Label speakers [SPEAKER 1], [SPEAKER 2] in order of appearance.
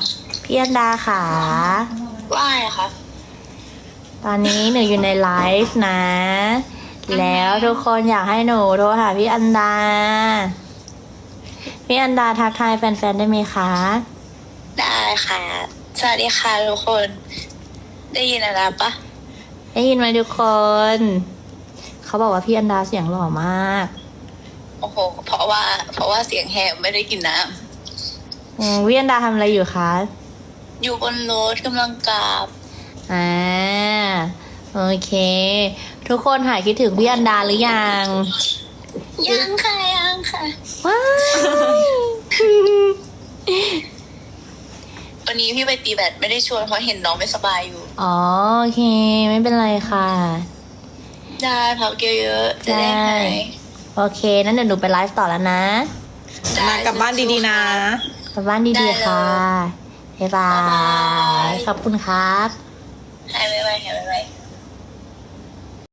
[SPEAKER 1] พี่อันดาค่ะ
[SPEAKER 2] ว่าไงคะ
[SPEAKER 1] ตอนนี้หนูอยู่ในไลฟ์นะ แล้วทุกคนอยากให้หนูโทรหาพี่อันดา พี่อันดาทักทายแฟนๆได้ไหมคะ
[SPEAKER 2] ได้ค่ะ สวัสดีค่ะทุกคน ได้ยินอะไรปะ
[SPEAKER 1] ได้ยินไหมทุกคน เขาบอกว่าพี่อันดาเสียงหล่อมาก
[SPEAKER 2] โอ้โห เพราะว่าเสียงแหบไม่ได้กินน้
[SPEAKER 1] พี่อันดาทำอะไรอยู่คะ
[SPEAKER 2] ำอยู่บนรถกำลังกลับ
[SPEAKER 1] โอเค ทุกคนหายคิดถึงพี่อันดาหรือยัง
[SPEAKER 2] ยังค่ะ
[SPEAKER 1] ว้าย
[SPEAKER 2] วันนี้พี่ไปตีแบดไม่ได้ชวนเพราะเห็นน้องไม่สบายอยู่
[SPEAKER 1] อ๋อโอเค ไม่เป็นไรค่ะ
[SPEAKER 2] ได้พักเยอะๆจะได้หาย
[SPEAKER 1] โอเคนั้นเดี๋ยวหนูไปไลฟ์ต่อแล้วนะ
[SPEAKER 3] มากลับบ้านดีๆนะ
[SPEAKER 1] กลับบ้านดีๆค่ะ บ๊ายบาย ขอบคุณครับ
[SPEAKER 2] หายไวๆ